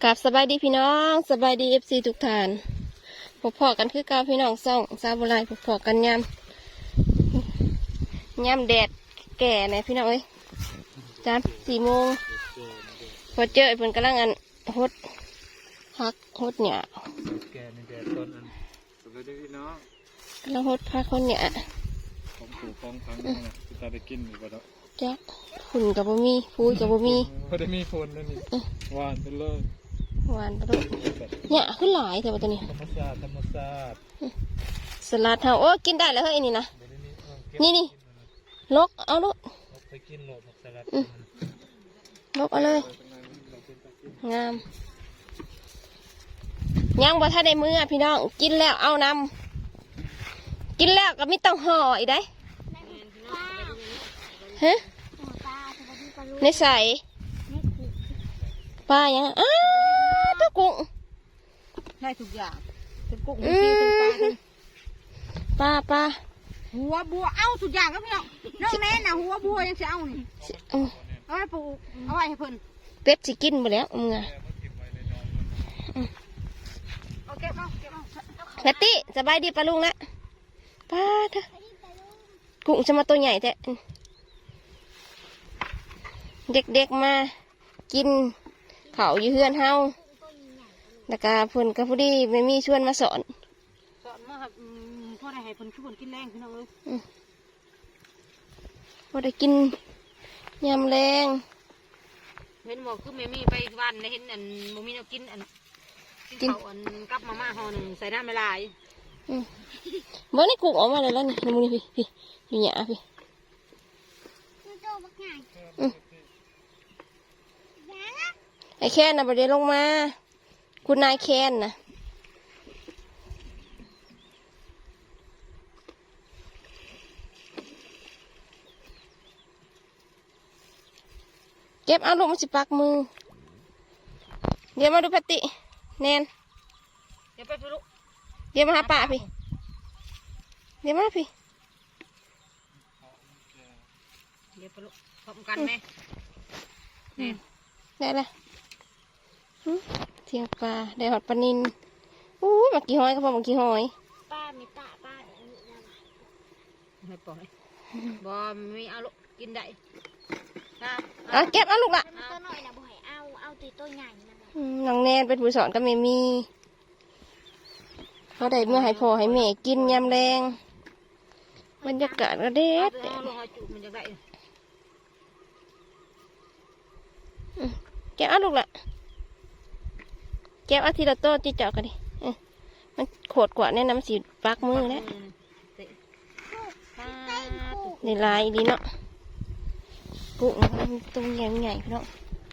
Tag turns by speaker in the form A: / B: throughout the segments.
A: กับสบายดีพี่น้องสบายดีFCทุกท่านพบพอกันคือเก่าพี่น้องซ่องซาบุไรพบพอกันยำแดดแก่เนี่ยพี่น้องเอ้ยจาน4 โมงพอเจอเพิ่นกำลังฮดพักฮดเนี่ย
B: แก่ในแดดต้นอันสวัสดีพี่น้อง
A: กำลังฮดพักฮดเนี่ย
B: ของปู่ของพังนะจะตาได้กินอยู่ปะเนาะ
A: จ๊ะฝุ่นกับบ่มีฟูยกับบ่มี
B: พอได้มีฝนแล้วนี่หวานไปเลย
A: หวานปะลูกเนี่ยขึ้นหลายแต่ว่าตัวนี้
B: ธรรมชาติธรรมชาติ
A: สลัดเฮาโอ้กินได้แล้วเฮ้ยนี่นะนี่ลกเอาลูก
B: ไปกินโหลดผักสลัด
A: ลกเอาเลยงามยังบ่ทันได้มื้อพี่น้องกินแล้วเอานำกินแล้วก็ไม่ต้องห่ออีกได้ฮะในใส่ปลายังตัวกุ้ง
C: ได้ทุกอย่างเป็นกุ้งเป็นซีเป็นปลา
A: ปลา
C: หัวบัวเอาทุกอย่างก็พี่น้องน้องแม่น่ะหัวบัวยังจะเอานี่เอาไว้ปลูกเอาไว้ให้เพิ่น
A: เป็ดสิกินหมดแล้วมึงอะ
C: เอาเก็บเอา
A: แพตตี้สบายดีปลาลุงละปลาเถอะกุ้งจะมาตัวใหญ่แต่เด็กๆมากินเขาอยู่เฮือนเฮาแล้วก็เพิ่นก็พอดีไม่มีชวนมาสอน
C: มาครับพ่อได้ให้เพิ่นช่วยกินแรงพี่น้องเอ้ย
A: พอได้กินยำแรง
C: เห็นบอกคือแม่มีไปวันได้เห็นอันบ่มีแนวกินอันกินเขาอันกับมาม่าห่อหนึ่งใส่น้ำละลาย
A: เมื่อนี่กุ้งออกมาเลยแล้วนี่มึงนี่พี่อยู่หยาพี่ไอ้แค้นนะประเดี๋ยวลงมาคุณนายแค้นนะเก็บเอาลูกมันสิปักมือเดี๋ยวมาดูปฏิแนน
C: เดี๋ยวไปลูก
A: เดี๋ยวมาหาป่าพี่เดี๋ยวมาพี่
C: เดี๋ยวไปลูกพร้อมกันไหม
A: ได้ละเทียงปลาได้หอดปลานินมากี่หอยก็พอมากี่หอย
C: ป้ามีตาป้าไม่ปล่อยบอมีเอาลูกกินได้
A: เก็บเอาลูกละ
C: ตัวหน่อยนะบ่ให้เอาตัวใหญ่
A: น้องแนนเป็นผู้สอนก็ไม่มีเขาได้เมื่อให้พ่อให้แม่กินยำแรงบรรยากาศก็เด็ดเก็บเอาลูกละเก็บเอาทีละโต้จีเจาะกันดิมันโขดกว่าแน่นำสีปักมือแล้วในลายดีเนาะกุ้งตุ้งใหญ่ๆเนาะ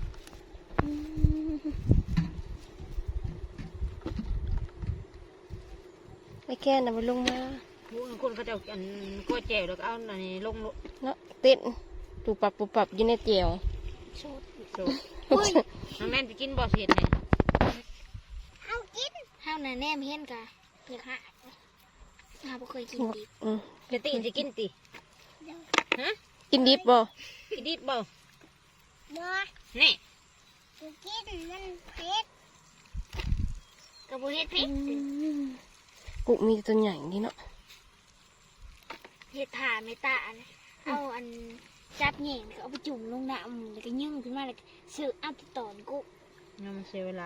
A: ไอ้แค่น่ะมันลงมา
C: คนเขาจะอันก้อยแจ่วแล้วก็เอาอันนี้ลง
A: เนาะเต้นปูปับอยู่ในเจียว
C: สูดน้องแม่จะกินบ่อเห็ดไง
D: เอากินเฮาน่ะแนมเห็นกะเพียกฮะเฮาบ่เคยกินดิบ
C: จะตีจะกินติฮะ
A: กินดิบบ่
C: กินดิบบ่
D: บ่
C: นี่
D: กินมันเผ็ดกระบุเห็ดเผ็ด
A: กุ้งมีตัวใหญ่นี่เนาะ
D: เห็ดถ่าไม่ตานะเอาอันจับแหน่งเอาไปจุ่มลงน้ำแล้วก็นึ่งขึ้นมาแล้วเสิร์ฟอัพตอนกุ้ง
C: งั้นมันเสียเวลา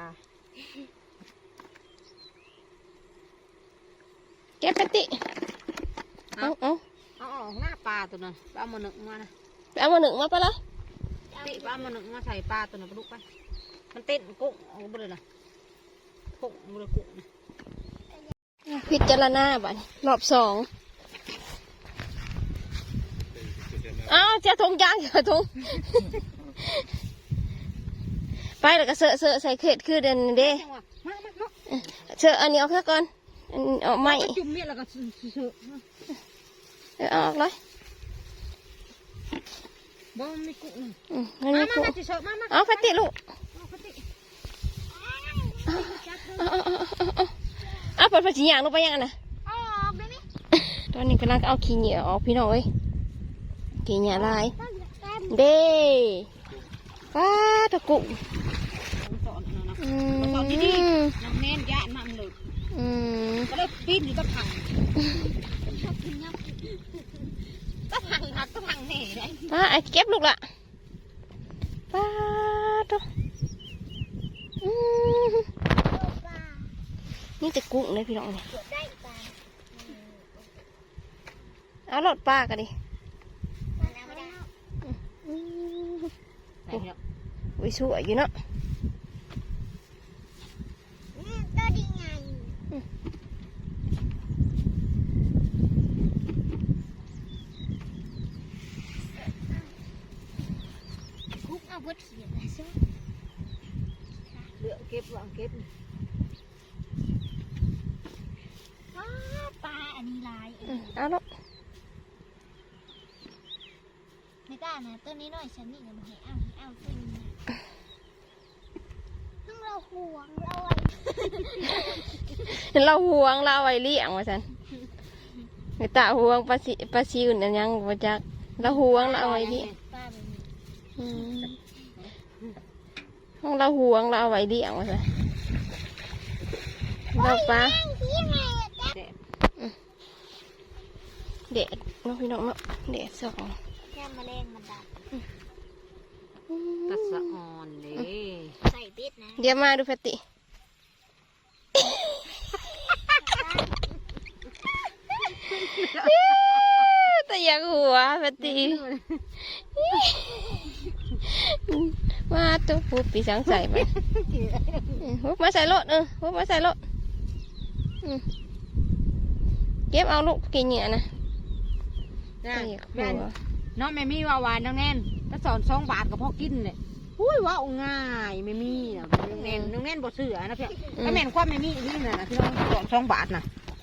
A: แกปฏิเอา
C: หน้าปลาตัวนั้นเอามาหนึ่งมานะ
A: เอามาหนึ่งมาไปเลย
C: ติเอามาหนึ่งมาใส่ปลาตัวนั้นไปลูกไปมันเต้นกุ้งเอาไปเลยนะกุ้งมือกุ้ง
A: พิจารณาบ่รอบ2อ้าวจะทงยางจะทงไปแล้วก็เสือใส่เข็ดคือเดินเด้เสืออันนี้เอาแค่ก่อนเอาไม่
C: จุ่มเมียแล้วก็เสือ
A: ออกเลย
C: บ่มีกุ้ง
A: มาเอาพัตติลูกเอาเปิดผ้าสีหยางลงไปยังไงนะตอนนี้กำลังเอาขี้เหนียวออกพี่น้องเอ้ยขี้เหนียวลายเด้ป้าตะกุ่
C: ดีๆน้องเน้นย่านมันเลยก็เลยปีนอยู่ตะพังตะพังหักตะพังแน่เลย
A: ป้าไอ้เก็บลูกละป้าตัวนี่จะกุ้งเลยพี่น้องเลยเอารถป้ากันดิอุ้ยสวยอยู่เนาะ
D: ตัวดีไงคุกเอาบดเขียนนะซุ
C: เลือกเก็บวางเก็บ
D: ปลาอันนี้ลาย
A: เอาลูก
D: ไม่กล้านะตัวนี้น้อยฉันนี่มันเอาตัวนี้ต้องเราห่วงเราไว้
A: เราห่วงเราเอาไว้เลี้ยงว่าสันไม่ตาห่วงปลาซิวนั่นยังบ่จักเราห่วงเราเอาไว้เลี้ยง
D: ปลาแบบนี้
A: ห้องเราห่วงเราเอาไว้เลี้ยงว่าสันเราปลา
C: แดด
A: เด็ดน้องพี่น้องเนาะเด็ดสอง
D: แค่แมลงมันดับ
C: ตัดสะอ่อนเลย
D: ใส่เบ็ดนะ
A: เดี๋ยวมาดูแพตติแต่อยากหัวแพตติมาตัวปุ๊บปีสังใส่ไปปุ๊บมาใส่รถปุ๊บมาใส่รถเก็บเอาลูกกินเหงื่อนะแต่อยากหัว
C: น้องแม่มี่ว่าวานน้องแน่นถ้าสอน2 บาทก็พอกินเลยอุ้ยว่าง่ายแม่มี่นะน้องแน่นบ่เสือนะเพี่ยถ้าแม่นความแม่มี่นี่นะที่น้องสอน2 บาทน่ะ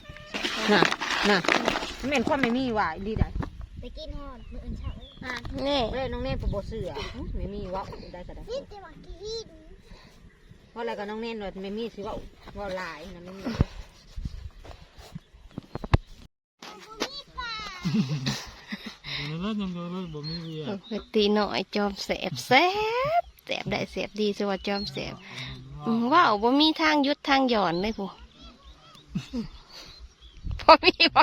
C: ถ้าแม่นความแม่มี่ว่าดีได้
D: ไปกินหอดมืออื่นเช้าเลย
A: นี่
C: เล่นน้องแน่นบ่เสือแม่มี่ว่าได้ก็ได้
D: นี่จะมากิน
C: เพราะอะไรก็น้องแน่นว่าแม่มี่สิว่าหลายนะแม่มี่
B: แล้วยังเดียวเลยบ่มีเวีย
A: แพตติหน่อยจอมแสบได้แสบดีสวัสดิ์จอมแสบว้าวบ่มีทางยุดทางหย่อนเลยผู้พอมีพอ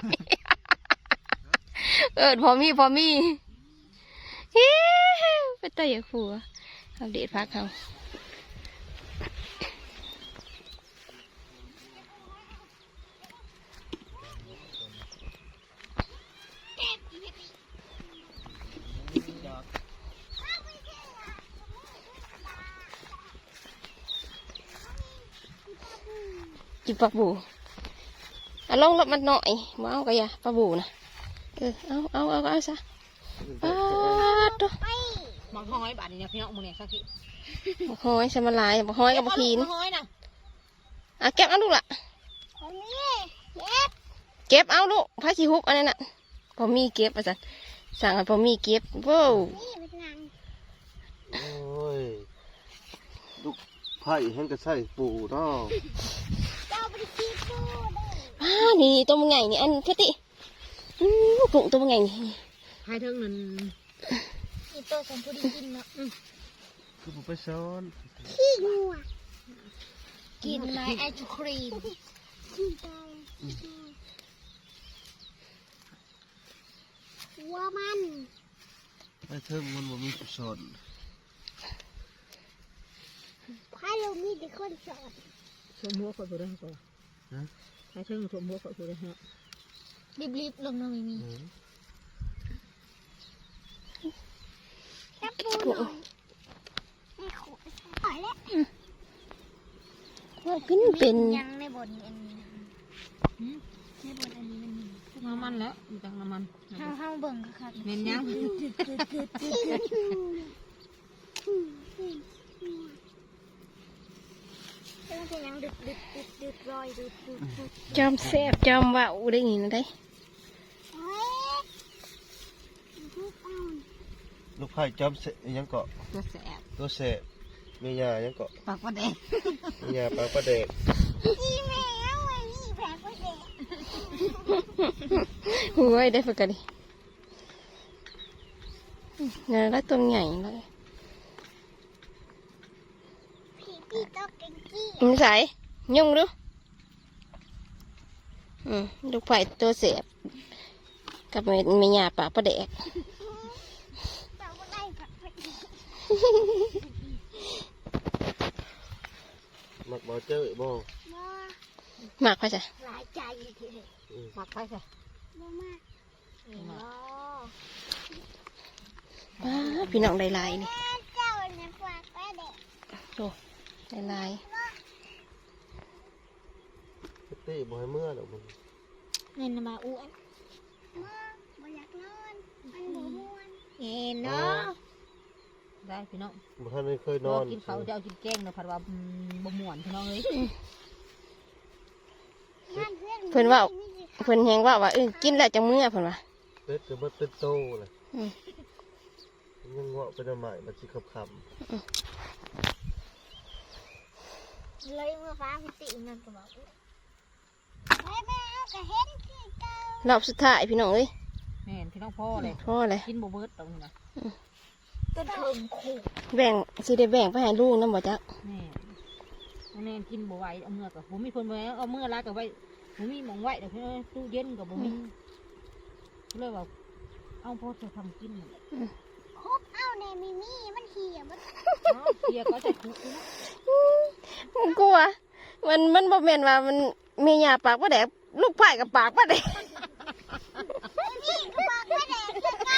A: มีฮิไปเตะอย่าขัวเอาเด็ดพักเขากินปลาบูเอาลงรถมันหน่อยมาเอากระยาปลาบูนะเอาซะปลาตัว
C: บางห้อยบาทเนี่ยพี่น้องมึงเนี่ยสักที
A: บักหอยสมาลายบักหอยกับบักขีน
C: ห้อยนะ
A: เก็บเอาลูกละ
D: คนนี้เก็บ
A: เก็บเอาลูกพระชิฮุบอันนั้นน่ะพอมีเก็บอาจารย์สั่งให้พอมีเก็บว้าว
D: นี่เป็นนาง
E: โอ้ยลูกไผ่เห็นก็ใส่ปูเนาะ
D: เจ้าไปกินปูเลย
A: นี่ตัวมันใหญ่นี่อันเพชรติกุ้งตัวมันใหญ่นี่
C: ให้เท่านั้น
D: นี่ตัวฉันพอดีกินเนาะ
E: คือผมไปซ้อน
D: ขี้งัวกินไหมไอศครีมวัวมัน
E: ไปเทิงมันบ่มีผู้สอน
D: พายเรามีแต่คนสอน
C: สมหัวเขาตัวได้ก่อนให้เท่าสมหัวเขาตัวได้ฮะ
D: รีบๆลงน้ำไม่มีแค่ปูหน่อยไม่ขอใส่แล้ว
A: ว่าขึ้นเป็น
D: ยังในบทนี้อันนี้นะในบทอันนี้มันมี
C: น้ำมันแล้วมีตังน้ำมัน
D: ห้องเบิ่งค่ะ
C: เน้นยัง
D: ต้องเป็นยังดึกรอยดึก
A: จอมแซ่บจอมว่าวได้ยินได้
D: เฮ้ย
E: ลูกไผ่จอมเสะยังเกาะ
C: ตัวแสบ
E: ตัวเสะเมียายังเกาะ
C: ปากประเดง
E: เมียาปลาปลาแดก
D: อีแมวไอ้นี่แผลก็เด็ก
A: หัวได้ฝึกกันดิเนี่ยแล้วตัวใหญ่เลย
D: พี่ต้องเก่งกี้
A: มันใส่ยุ่งดูลูกไผ่ตัวเสียบกับไม่หยาปากประเดก
D: แต่ว่าได้ผักไปอีก
E: มักบ่เจอบ่
D: บ่
A: หมากไผ่จ้ะ
D: หลายใจทีเดียว
C: หมักไปค่ะ
D: บ่มากเห็นบ่
A: ว้าพี่น้องได้ลายนี่
D: เจ้าเนี่ยฝากไปเด็ก
A: โอ้ได้ลาย
E: เต้บ่ให้เมื่อดอกมัน
D: เงินมาอ้วนบ่อยากนอนมันบ่ม่วนเห็นเนาะ
C: ได้พี่น้อง
E: บ่ทันได้เคยน
C: น
E: อ
C: อน นกินเขาวจะเอากินแกงเนาะผัดว่าบ่ม่วนพี่น้องเลย
A: เพิ่นว่าเพิ่นแฮงว่ากินแล้วจังมื้อเพิ่นว่า
E: เป็ดก็บ่เป็นโตเลย
A: อืม
E: ยังเงาะเป็นใหม่มันสิขับ
D: เลยเมื่อฟ้าพิตินั่นก็บอกแม่เอาก็เห็นคือเก่าร
A: อบสุดท้ายพี่น้องเอ้ย
C: แม่นพี่น้องพ่อเลย
A: พ่อเลย
C: กินบ่เบิดตรงนี้นะ
D: ต้นเถิงขู่
A: แบ่งสิได้แบ่งไปให้ลูกนำบ่จ๊ะ
C: แม่น้องแนนกินบ่ไหวเอาเมื่อกับบ่มีคนไว้เอาเมื่อลากับไว้บ่มีหมองไว้เดี๋ยวพี่น้องตู้เย็นกับบ่มีเลยว่าเอาพ่อจะทำกินนั่นแหละ
D: คบเอาแน่มีมันเหี่ยมัน
C: เอาเสียก็จะคุกนะ
A: ผมกลัวมันบ่แม่นว่ามันมีหยาปากประเดกลูกไผ่กับปากประเดก
D: นี่ก็บอกว่าแดกคือกัน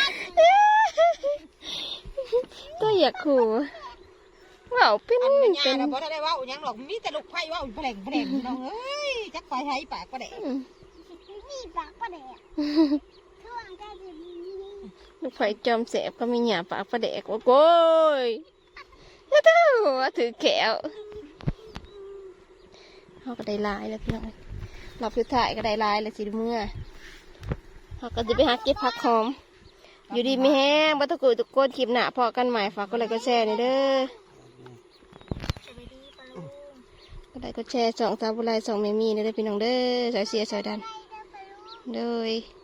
A: ก็อยากขู่ว่าเป็น
C: อันเป็น
A: เป็
C: ยาน เราบ่ได้เว้าหยังหรอกมีแต่ลูกไผ่เว้าแผลงพี่น้องเอ้ยจักไปให้ปากก็ได้
D: นี่ปากก็แดกช่วงก็จะมี
A: ลูกไผ่จอมแสบก็มีหยาปากประเดกโอ้ยแล้วเท่าถือแขวเขาก็ได้ลายแล้วพี่น้องรอบสุดท้ายก็ได้ลายแล้วสิเมื่อเขาก็จะไปหาเก็บผักหอมอยู่ดีไม่แห้งบัตรกุยตุกโกนคลิปหนาพอกันใหม่ฝากก็ไลค์ก็แชร์นี่เด้อ
D: สวัสดีปะลุง
A: ก็ไลค์ก็แชร์2 3บุไร2เมมี่เด้อพี่น้องเด้อสายเสียสายดัน
D: ไปเด้อปะลุง
A: เด้อ